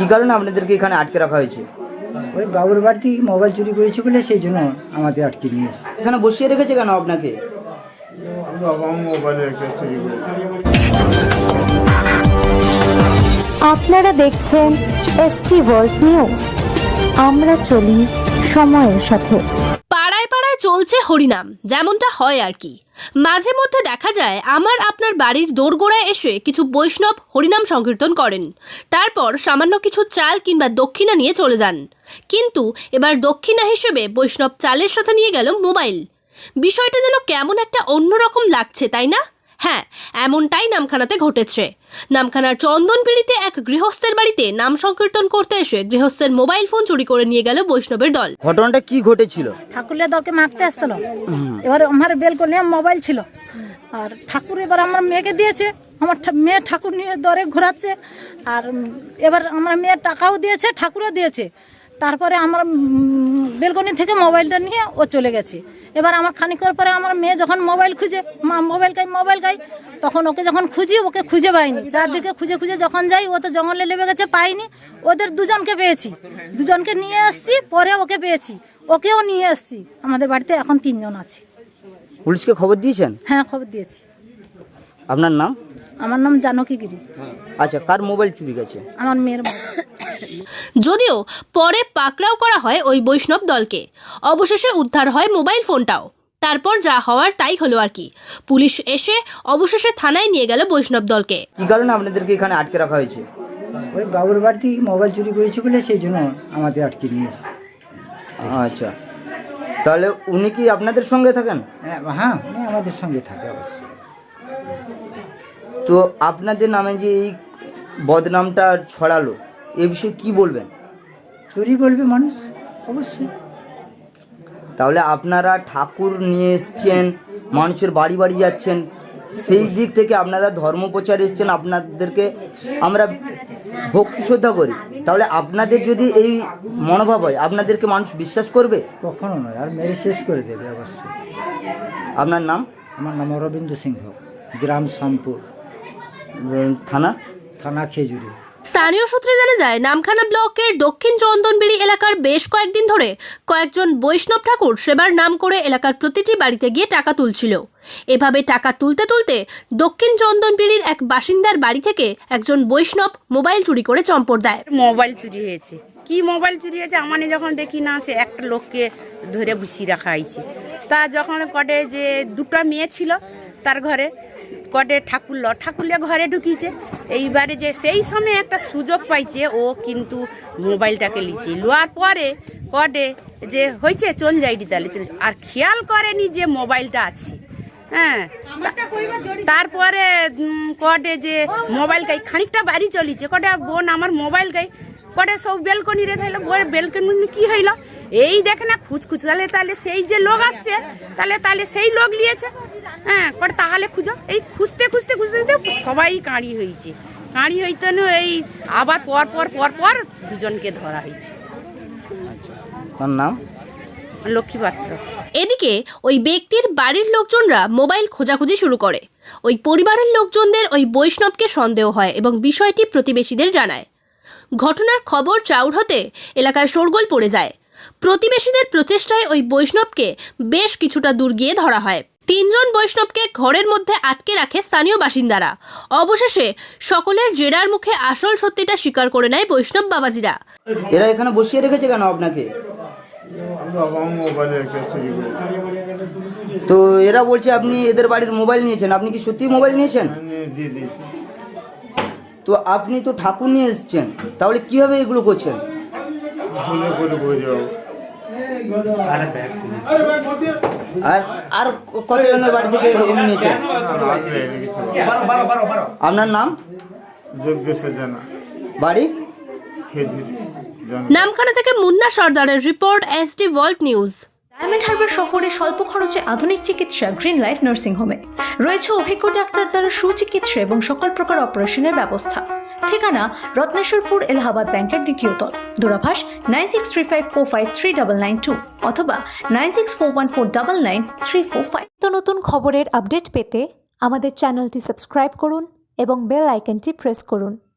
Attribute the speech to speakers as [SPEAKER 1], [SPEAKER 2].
[SPEAKER 1] কি কারণে আপনাদেরকে এখানে আটকে রাখা হয়েছে?
[SPEAKER 2] ওই বাবুর বাড়িতে মোবাইল চুরি করেছে বলে সেই জন্য আমাদের আটকে নিয়ে এসেছে।
[SPEAKER 1] এখানে বসিয়ে রেখেছে কেন আপনাকে?
[SPEAKER 3] আপনারা দেখছেন এসটি ওয়ার্ল্ড নিউজ। আমরা চলি সময়ের সাথে।
[SPEAKER 4] পাড়ায় পাড়ায় চলছে হরিনাম, যেমনটা হয় আর কি। মাঝে মধ্যে দেখা যায় আমার আপনার বাড়ির দোরগোড়ায় এসে কিছু বৈষ্ণব হরিনাম সংকীর্তন করেন, তারপর সামান্য কিছু চাল কিংবা দক্ষিণা নিয়ে চলে যান। কিন্তু এবার দক্ষিণা হিসেবে বৈষ্ণব চালের সাথে নিয়ে গেল মোবাইল। বিষয়টা যেন কেমন একটা অন্যরকম লাগছে, তাই না? হ্যাঁ, এমনটাই নামখানাতে ঘটেছে। নামখানার চন্দনপিড়িতে এক গৃহস্থের বাড়িতে নাম সংকীর্তন করতে এসে গৃহস্থের মোবাইল ফোন চুরি করে নিয়ে গেল বৈষ্ণবের দল।
[SPEAKER 1] ঘটনাটা কি ঘটেছিল?
[SPEAKER 5] ঠাকুরের দলকে মাখতে আসছিল, এবার আমার বেল করে মোবাইল ছিল, আর ঠাকুর এবার আমার মেয়েকে দিয়েছে। আমার মেয়ে ঠাকুর নিয়ে দরে ঘোরাচ্ছে, আর এবার আমার মেয়ের টাকাও দিয়েছে, ঠাকুরও দিয়েছে। তারপরে আমার বেলকনি থেকে মোবাইলটা নিয়ে ও চলে গেছে। এবার আমার খানিকের পরে আমার মেয়ে যখন মোবাইল খুঁজে, মা মোবাইল খাই, তখন ওকে যখন খুঁজি ওকে খুঁজে পাইনি। চারদিকে খুঁজে যখন যাই, ও তো জঙ্গলে লেবে গেছে, পাইনি। ওদের দুজনকে পেয়েছি, দুজনকে নিয়ে আসছি, পরে ওকে পেয়েছি, ওকেও নিয়ে আসছি। আমাদের বাড়িতে এখন 3 জন আছে।
[SPEAKER 1] পুলিশকে খবর দিয়েছেন?
[SPEAKER 5] হ্যাঁ, খবর দিয়েছি।
[SPEAKER 1] আপনার নাম?
[SPEAKER 5] আমার নাম জানকী গিরি।
[SPEAKER 1] আচ্ছা, কার মোবাইল চুরি গেছে?
[SPEAKER 5] আমার মেয়ের মোবাইল।
[SPEAKER 4] যদিও পরে পাকড়াও করা হয় ওই বৈষ্ণব দলকে, অবশেষে উদ্ধার হয় মোবাইল ফোনটাও। তারপর যা হওয়ার তাই হলো আর কি। পুলিশ এসে অবশেষে থানায় নিয়ে গেল বৈষ্ণব দলকে।
[SPEAKER 1] কি কারণে আপনাদেরকে এখানে আটকে রাখা হয়েছে?
[SPEAKER 2] ওই বাবুর বাড়িতে মোবাইল চুরি করেছে বলে সেই জন্য আমাদের আটকে নিয়ে এসেছে।
[SPEAKER 1] আচ্ছা, তাহলে উনি কি আপনাদের সঙ্গে থাকেন?
[SPEAKER 2] হ্যাঁ, উনি আমাদের সঙ্গে থাকে অবশ্যই।
[SPEAKER 1] তো আপনাদের নামে যে এই বদনামটা ছড়ালো, এ বিষয়ে কি বলবেন?
[SPEAKER 2] চুরি বলবে মানুষ, অবশ্যই।
[SPEAKER 1] তাহলে আপনারা ঠাকুর নিয়ে এসছেন, মানুষের বাড়ি বাড়ি যাচ্ছেন, সেই দিক থেকে আপনারা ধর্ম প্রচার এসছেন, আপনাদেরকে আমরা ভক্তি শ্রদ্ধা করি। তাহলে আপনাদের যদি এই মনোভাব হয়, আপনাদেরকে মানুষ বিশ্বাস করবে?
[SPEAKER 2] কখনো নয়, আর মেরে শেষ করে দেবে অবশ্যই।
[SPEAKER 1] আপনার নাম?
[SPEAKER 2] আমার নাম অরবিন্দ সিংহ, গ্রাম শ্যামপুর, থানা খেজুরি।
[SPEAKER 4] স্থানীয় সূত্রে জানা যায়, নামখানা ব্লকের দক্ষিণ চন্দনবিড়ি এলাকার বেশ কয়েকদিন ধরে কয়েকজন বৈষ্ণব ঠাকুর সেবার নাম করে এলাকার প্রতিটি বাড়িতে গিয়ে টাকা তুলছিল। এভাবে টাকা তুলতে তুলতে দক্ষিণ চন্দনবিড়ির এক বাসিন্দার বাড়ি থেকে একজন বৈষ্ণব মোবাইল চুরি করে চম্পট দেয়।
[SPEAKER 6] মোবাইল চুরি হয়েছে, কি মোবাইল চুরি হয়েছে আমি যখন দেখি না, সে একটা লোককে ধরে বসিয়ে রাখা হয়েছে। তা যখন কটে যে 2টা মেয়ে ছিল তার ঘরে, কটে ঠাকুরলে ঘরে ঢুকিয়েছে। এইবারে যে সেই সময় একটা সুযোগ পাইছে, ও কিন্তু মোবাইলটাকে লিচে লোয়ার পরে কটে যে হয়েছে চল যাইনি, তাহলে চল, আর খেয়াল করেনি যে মোবাইলটা আছে। হ্যাঁ, তারপরে কটে যে মোবাইল গাই খানিকটা বাড়ি চলিছে, কটে বোন আমার মোবাইল গাই, কটে সব বেলকনি রে থাইলো, বেলকনি কি হইল এই দেখে না খুঁজখুঁজ, তাহলে সেই যে লোক আসছে, তাহলে সেই লোক নিয়েছে। হ্যাঁ, কটে তাহলে খুঁজো, এই খুঁজতে সবাই কাঁড়ি হয়েছে। কাঁড়ি হইতে এই আবার পর দুজনকে ধরা হয়েছে।
[SPEAKER 1] তার নাম?
[SPEAKER 6] লক্ষ্মী পাত্র।
[SPEAKER 4] এদিকে ওই ব্যক্তির বাড়ির লোকজনরা মোবাইল খোঁজাখুঁজি শুরু করে। ওই পরিবারের লোকজনদের ওই বৈষ্ণবকে সন্দেহ হয় এবং বিষয়টি প্রতিবেশীদের জানায়। ঘটনার খবর চাউর হতে এলাকায় শোরগোল পড়ে যায়। প্রতিবেশীদের প্রচেষ্টায় ওই বৈষ্ণবকে বেশ কিছুটা দূর গিয়ে ধরা হয়। 3 জন বৈষ্ণবকে ঘরের মধ্যে আটকে রাখে স্থানীয় বাসিন্দারা। অবশেষে সকলের জেরার মুখে আসল সত্যিটা স্বীকার করে নেয় বৈষ্ণব বাবাজিরা।
[SPEAKER 1] এরা এখানে বসিয়ে রেখেছে কেন আপনাকে? তো এরা বলছে আপনি এদের বাড়ির মোবাইল নিয়েছেন, আপনি কি সত্যি মোবাইল নিয়েছেন? তো আপনি তো ঠাকুর নিয়ে এসছেন, তাহলে কিভাবে এগুলো করছেন? আর কতজনের বাড়ি থেকে এরকম নিয়েছেন? আপনার নাম? বাড়ি?
[SPEAKER 4] নামখানা থেকে মুন্না সর্দারের report, ST world news.
[SPEAKER 7] Diamond Harbour শহরে স্বল্প খরচে আধুনিক চিকিৎসা গ্রিন লাইফ নার্সিং হোমে রয়েছে অভিজ্ঞ ডাক্তার দ্বারা সুচিকিৎসা এবং সকল প্রকার অপারেশনের ব্যবস্থা। ঠিকানা রত্নেশ্বরপুর, এলাহাবাদ ব্যাংকের 2য় তল, দূরভাষ 9635453992 অথবা 9641499345।
[SPEAKER 3] নতুন খবরের আপডেট পেতে আমাদের চ্যানেলটি সাবস্ক্রাইব করুন এবং বেল আইকনটি প্রেস করুন।